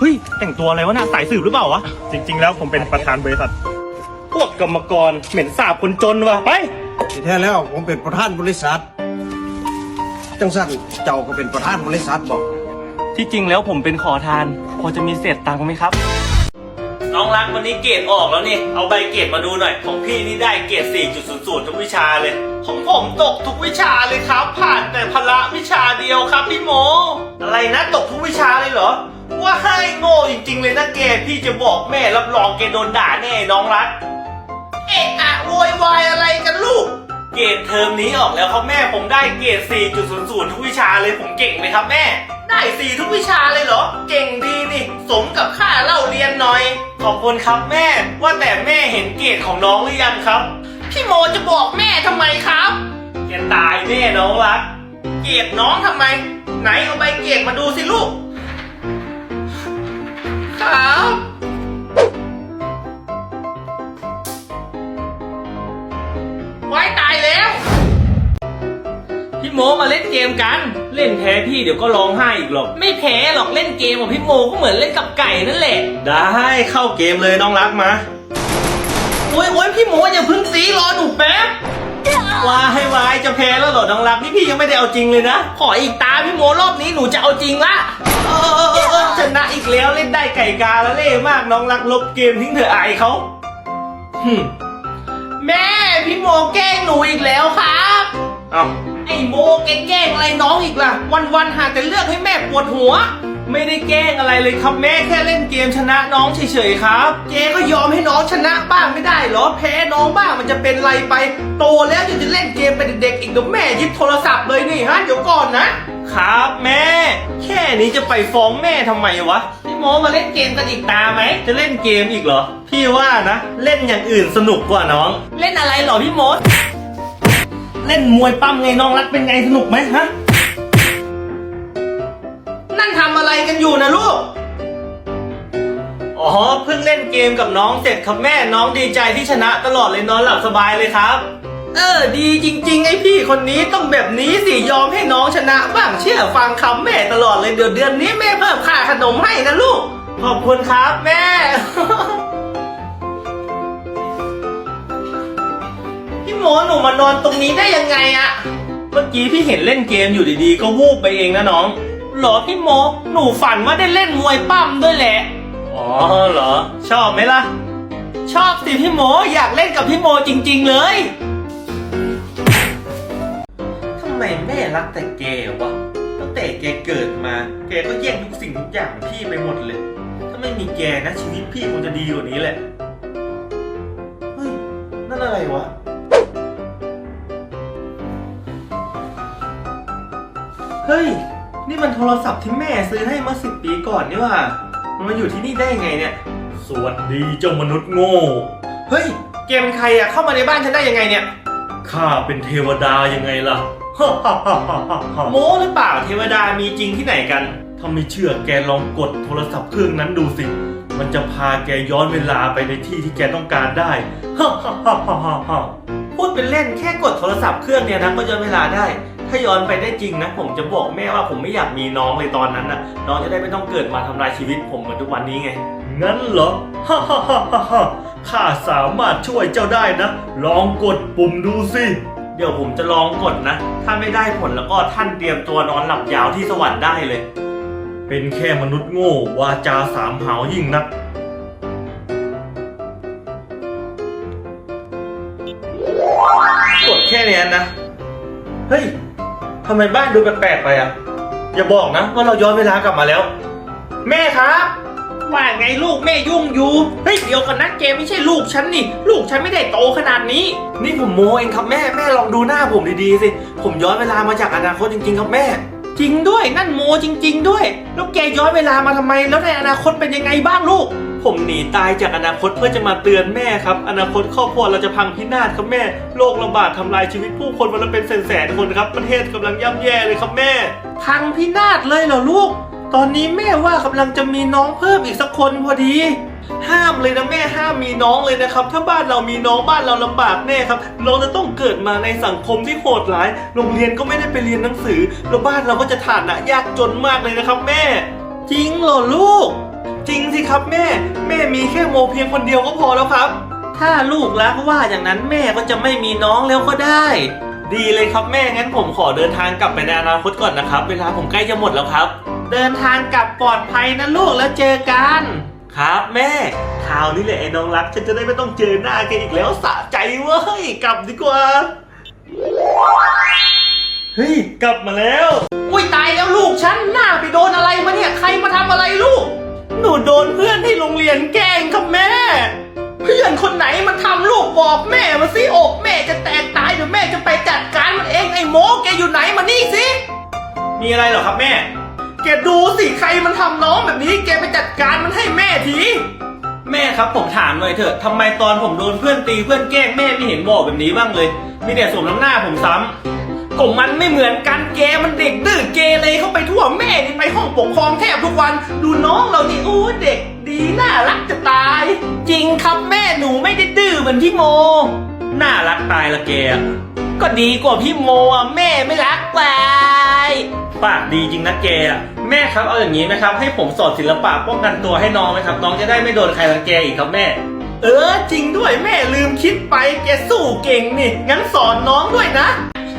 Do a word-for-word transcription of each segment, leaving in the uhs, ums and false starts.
ฮ้ยแต่งตัวอะไรวะน่ะสายสืบหรือเปล่าวะจริงๆแล้วผมเป็นประธานบริษัทพวกกรรมกรเหม็นสาบคนจนวะไปที่แท้แล้วผมเป็นประธานบริษัทจังสั้นเจ้าก็เป็นประธานบริษัทบอกที่จริงแล้วผมเป็นขอทานพอจะมีเศษตังค์ไหมครับน้องรักวันนี้เกรดออกแล้วนี่เอาใบเกรดมาดูหน่อยของพี่นี่ได้เกรด สี่จุดศูนย์ศูนย์ ทุกวิชาเลยของผมตกทุกวิชาเลยครับผ่านแต่พละวิชาเดียวครับพี่โมอะไรนะตกทุกวิชาเลยเหรอว่าให้โง่จริงๆเลยนะเกรดพี่จะบอกแม่รับรองแกโดนด่าแน่น้องรักเอะอะโวยวายอะไรกันลูกเกรดเทอมนี้ออกแล้วครับแม่ผมได้เกรด สี่จุดศูนย์ศูนย์ ทุกวิชาเลยผมเก่งไหมครับแม่ได้สี่ทุกวิชาเลยเหรอเก่งดีนี่สมกับค่าเล่าเรียนหน่อยขอบคุณครับแม่ว่าแต่แม่เห็นเกรดของน้องหรือยังครับพี่โมจะบอกแม่ทำไมครับแกตายแน่น้องรักเกรดน้องทำไมไหนเอาใบเกรดมาดูสิลูกครับไว้ตายแล้วพี่โมมาเล่นเกมกันเล่นแพ้พี่เดี๋ยวก็ร้องไห้อีกหรอกไม่แพ้หรอกเล่นเกมของพี่โมก็เหมือนเล่นกับไก่นั่นแหละได้เข้าเกมเลยน้องรักมาโอ้ยโอ้ยพี่โมอย่าพึ่งตีรอหนูแป๊บวายให้วายจะแพ้แล้วเหรอน้องรักนี่พี่ยังไม่ได้เอาจริงเลยนะขออีกตาพี่โมรอบนี้หนูจะเอาจริงละเออเออเออเออชนะอีกแล้วเล่นได้ไก่กาแล้วเล่มากน้องรักลบเกมทิ้งเถอะอายเขาแม่พี่โมแกล้งหนูอีกแล้วครับเอ้าไอ้โมแกแกล้งอะไรน้องอีกล่ะวันๆหาแต่เลือกให้แม่ปวดหัวไม่ได้แกล้งอะไรเลยครับแม่แค่เล่นเกมชนะน้องเฉยๆครับเจ๊ก็ยอมให้น้องชนะบ้างไม่ได้หรอแพ้น้องบ้างมันจะเป็นไรไปโตแล้วยังจะเล่นเกมเป็นเด็กๆอีกเดี๋ยวแม่ยึดโทรศัพท์เลยนี่ฮะเดี๋ยวก่อนนะครับแม่แค่นี้จะไปฟ้องแม่ทำไมวะพี่โมมาเล่นเกมกันอีกตาไหมจะเล่นเกมอีกเหรอพี่ว่านะเล่นอย่างอื่นสนุกกว่าน้องเล่นอะไรเหรอพี่โมเล่นมวยปั้มไงน้องรักเป็นไงสนุกไหมฮะนั่นทำอะไรกันอยู่นะลูกอ๋อเพิ่งเล่นเกมกับน้องเสร็จครับแม่น้องดีใจที่ชนะตลอดเลยนอนหลับสบายเลยครับเออดีจริงๆไอพี่คนนี้ต้องแบบนี้สิยอมให้น้องชนะบ้างเชื่อฟังคำแม่ตลอดเลยเดี๋ยวเดือนนี้แม่เพิ่มค่าขนมให้นะลูกขอบคุณครับแม่ พี่โมหนูมานอนตรงนี้ได้ยังไงอะเมื่อกี้พี่เห็นเล่นเกมอยู่ดีๆก็วูบไปเองนะน้องหรอพี่โมหนูฝันว่าได้เล่นมวยปั้มด้วยแหละอ๋อเหรอชอบไหมล่ะชอบสิพี่โมอยากเล่นกับพี่โมจริงๆเลยทำไมแม่รักแต่แกวะตั้งแต่แกเกิดมาแกก็แย่งทุกสิ่งทุกอย่างพี่ไปหมดเลยถ้าไม่มีแกนะชีวิตพี่คงจะดีกว่านี้แหละเฮ้ยนั่นอะไรวะเฮ้ยนี่มันโทรศัพท์ที่แม่ซื้อให้เมื่อสิบปีก่อนนี่ว่ามันมาอยู่ที่นี่ได้ยังไงเนี่ยสวัสดีเจ้ามนุษย์โง่เฮ้ยแกเป็นใครอะเข้ามาในบ้านฉันได้ยังไงเนี่ยข้าเป็นเทวดายังไงล่ะ โม้หรือเปล่าเทวดามีจริงที่ไหนกันถ้าไม่เชื่อแกลองกดโทรศัพท์เครื่องนั้นดูสิมันจะพาแกย้อนเวลาไปในที่ที่แกต้องการได้ พูดเป็นเล่นแค่กดโทรศัพท์เครื่องเนี้ยนะก็ย้อนเวลาได้ถ้าย้อนไปได้จริงนะผมจะบอกแม่ว่าผมไม่อยากมีน้องเลยตอนนั้นนะน้องจะได้ไม่ต้องเกิดมาทำลายชีวิตผมเหมือนทุกวันนี้ไงงั้นเหรอ ข้าสามารถช่วยเจ้าได้นะลองกดปุ่มดูสิเดี๋ยวผมจะลองกดนะถ้าไม่ได้ผลแล้วก็ท่านเตรียมตัวนอนหลับยาวที่สวรรค์ได้เลยเป็นแค่มนุษย์โง่วาจาสามหาวยิ่งนักกดแค่นี้นะเฮ้ยทำไมบ้านดูแปลกๆไปอ่ะอย่าบอกนะว่าเราย้อนเวลากลับมาแล้วแม่ครับว่าไงลูกแม่ยุ่งอยู่เฮ้ยเดี๋ยวกันนะเกมไม่ใช่ลูกฉันนี่ลูกฉันไม่ได้โตขนาดนี้นี่ผมโมเองครับแม่แม่ลองดูหน้าผมดีๆสิผมย้อนเวลามาจากอนาคตจริงๆครับแม่จริงด้วยนั่นโมจริงๆด้วยแล้วแกย้อนเวลามาทำไมแล้วในอนาคตเป็นยังไงบ้างลูกผมหนีตายจากอนาคตเพื่อจะมาเตือนแม่ครับอนาคตครอบครัวเราจะพังพินาศครับแม่โรคระบาดทำลายชีวิตผู้คนวันละเป็นแสนๆคนครับประเทศกำลังย่ำแย่เลยครับแม่พังพินาศเลยเหรอลูกตอนนี้แม่ว่ากำลังจะมีน้องเพิ่มอีกสักคนพอดีห้ามเลยนะแม่ห้ามมีน้องเลยนะครับถ้าบ้านเรามีน้องบ้านเราลำบากแน่ครับเราจะต้องเกิดมาในสังคมที่โหดร้ายโรงเรียนก็ไม่ได้ไปเรียนหนังสือแล้วบ้านเราก็จะฐานะยากจนมากเลยนะครับแม่จริงเหรอลูกจริงสิครับแม่ แม่มีแค่โมเพียงคนเดียวก็พอแล้วครับ ถ้าลูกรักว่าอย่างนั้นแม่ก็จะไม่มีน้องแล้วก็ได้ ดีเลยครับแม่งั้นผมขอเดินทางกลับไปในอนาคตก่อนนะครับ เวลาผมใกล้จะหมดแล้วครับ เดินทางกลับปลอดภัยนะลูกแล้วเจอกัน ครับแม่คราวนี้แหละไอ้น้องรักฉันจะได้ไม่ต้องเจอหน้าแกอีกแล้วสะใจเว้ยกลับดีกว่าเฮ้ยกลับมาแล้วอุ้ยตายแล้วลูกฉันหน้าไปโดนอะไรมาเนี่ยใครมาทำอะไรลูกหนูโดนเพื่อนที่โรงเรียนแกล้งครับแม่เพื่อนคนไหนมันทำลูกบอกแม่มาสิอกแม่จะแตกตายเดี๋ยวแม่จะไปจัดการมันเองไอ้โมแกอยู่ไหนมานี่สิมีอะไรเหรอครับแม่แกดูสิใครมันทำน้องแบบนี้แกไปจัดการมันให้แม่ทีแม่ครับผมถามหน่อยเถอะทำไมตอนผมโดนเพื่อนตีเพื่อนแกล้งแม่ไม่เห็นบอกแบบนี้บ้างเลย มีแต่สวมน้ำหน้าผมซ้ำก็มันไม่เหมือนกันแกมันเด็กดื้อเกเรเข้าไปทั่วแม่นี่ไปห้องปกครองแทบทุกวัน ดูน้องเรานี่โอ้เด็กดีน่ารักจะตาย จริงครับแม่หนูไม่ได้ดื้อเหมือนพี่โมน่ารักตายละแกอะก็ดีกว่าพี่โมอ่ะแม่ไม่รักไปปากดีจริงนะแกอะแม่ครับเอาอย่างนี้ไหมครับ ให้ผมสอนศิลปะป้องกันตัวให้น้องไหมครับ น้องจะได้ไม่โดนใครรังแกอีกครับแม่เออจริงด้วยแม่ลืมคิดไปแกสู้เก่งนี่งั้นสอนน้องด้วยนะ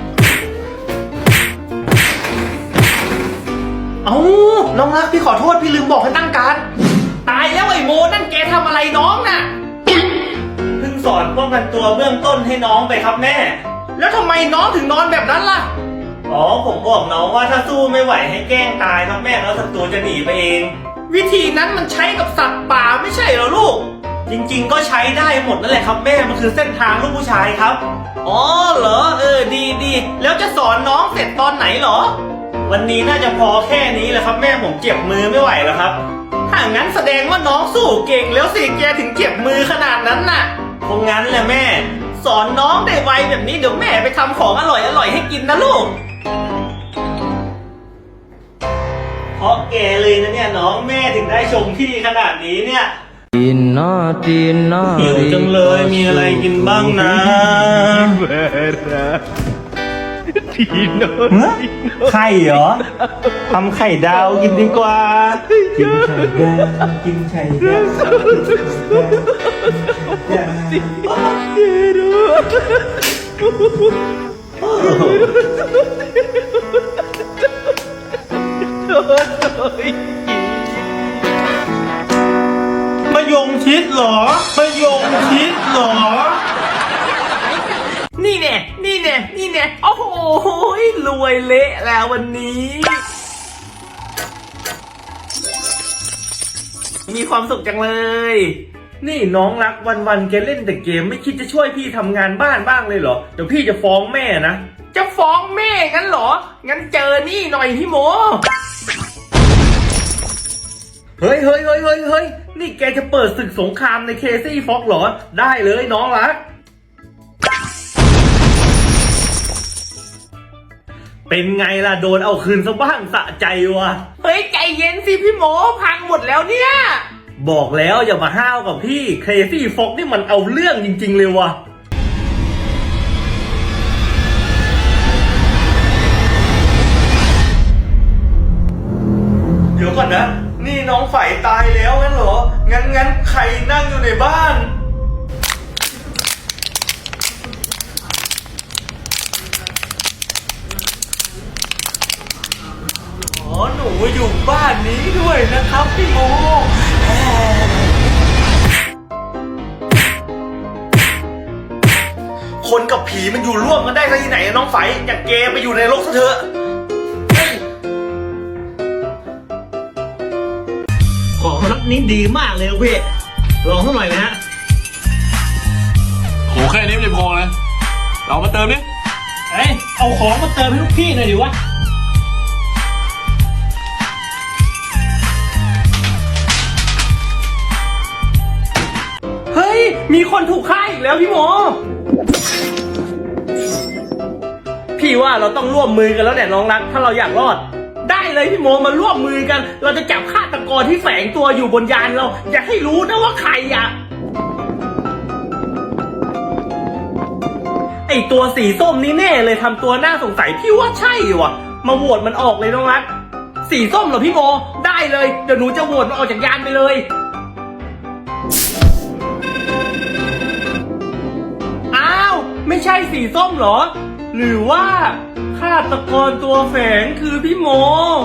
เอาน้องรักพี่ขอโทษพี่ลืมบอกให้ตั้งการตายแล้วไอ้โมนั่นแกทำอะไรน้องน่ะเพิ่งสอนป้องกันตัวเบื้องต้นให้น้องไปครับแม่แล้วทำไมน้องถึงนอนแบบนั้นล่ะอ๋อผมบอกน้องว่าถ้าสู้ไม่ไหวให้แกล้งตายครับแม่แล้วศัตรูจะหนีไปเองวิธีนั้นมันใช้กับสัตว์ป่าไม่ใช่เหรอลูกจริงๆก็ใช้ได้หมดนั่นแหละครับแม่มันคือเส้นทางลูกผู้ชายครับอ๋อเหรอเออดีดีแล้วจะสอนน้องเสร็จตอนไหนเหรอวันนี้น่าจะพอแค่นี้แหละครับแม่ผมเจ็บมือไม่ไหวแล้วครับถ้างั้นแสดงว่าน้องสู้เก่งแล้วสิแกถึงเจ็บมือขนาดนั้นน่ะคงงั้นแหละแม่สอนน้องได้ไวแบบนี้เดี๋ยวแม่ไปทำของอร่อยอร่อยให้กินนะลูกเพราะแกเลยนะเนี่ยน้องแม่ถึงได้ชมพี่ขนาดนี้เนี่ยตีนนอตีนนอหิวจังเลยมีอะไรกินบ้างนะ ฮะไข่เหรอทำไข่ดาวกินดีกว่า กินไข่ดาวกินไข่ดาวกินไข่ดาวมะยงชิดเหรอมะยงชิดเหรอนี่แน่นี่แน่นี่แน่โอ้โหรวยเละแล้ววันนี้ มีความสุขจังเลยนี่น้องรักวันๆแกเล่นแต่เกมไม่คิดจะช่วยพี่ทำงานบ้านบ้างเลยเหรอเดี๋ยวพี่จะฟ้องแม่นะจะฟ้องแม่งั้นเหรอ งั้นเจอนี่หน่อยพี่โมเฮ้ยเฮ้ยเฮ้ยเฮ้ยเฮ้ยนี่แกจะเปิดศึกสงครามในเคซี่ฟ็อกเหรอได้เลยน้องรักเป็นไงล่ะโดนเอาคืนซะบ้างสะใจวะเฮ้ยใจเย็นสิพี่โมพังหมดแล้วเนี่ยบอกแล้วอย่ามาห้าวกับพี่เคซี่ฟ็อกนี่มันเอาเรื่องจริงๆเลยวะเดี๋ยวก่อนนะนี่น้องฝ่ายตายแล้วงั้นเหรองั้นงั้นใครนั่งอยู่ในบ้านอ๋อหนูอยู่บ้านนี้ด้วยนะครับพี่โมคนกับผีมันอยู่ร่วมกันได้ที่ไหนน้องไฝอยากเกไปอยู่ในโลกซะเถอะของรถนี้ดีมากเลยเว้ยลองสักหน่อยนะฮะโหแค่นี้ไม่พอนะเรามาเติมดิเอ้ยเอาของมาเติมให้ลูกพี่หน่อยดิวะเฮ้ยมีคนถูกฆ่าอีกแล้วพี่โมพี่ว่าเราต้องร่วมมือกันแล้วแหละน้องรักถ้าเราอยากรอดได้เลยพี่โมมาร่วมมือกัน เราจะจับฆาตกรที่แฝงตัวอยู่บนยานเรา อย่าให้รู้นะว่าใครอ่ะไอตัวสีส้มนี่แน่เลยทำตัวน่าสงสัยพี่ว่าใช่ว่ะมาโหวตมันออกเลยน้องรักสีสีส้มเหรอพี่โม ได้เลย เดี๋ยวหนูจะโหวตมันออกจากยานไปเลย อ้าว ไม่ใช่สีส้มเหรอ หรือว่าฆาตกรตัวแฝงคือพี่โม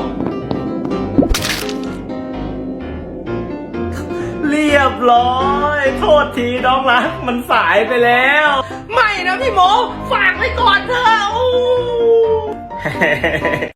เรียบร้อย โทษทีน้องรักมันสายไปแล้ว ไม่นะพี่โม ฝากไว้ก่อนเถอะอู้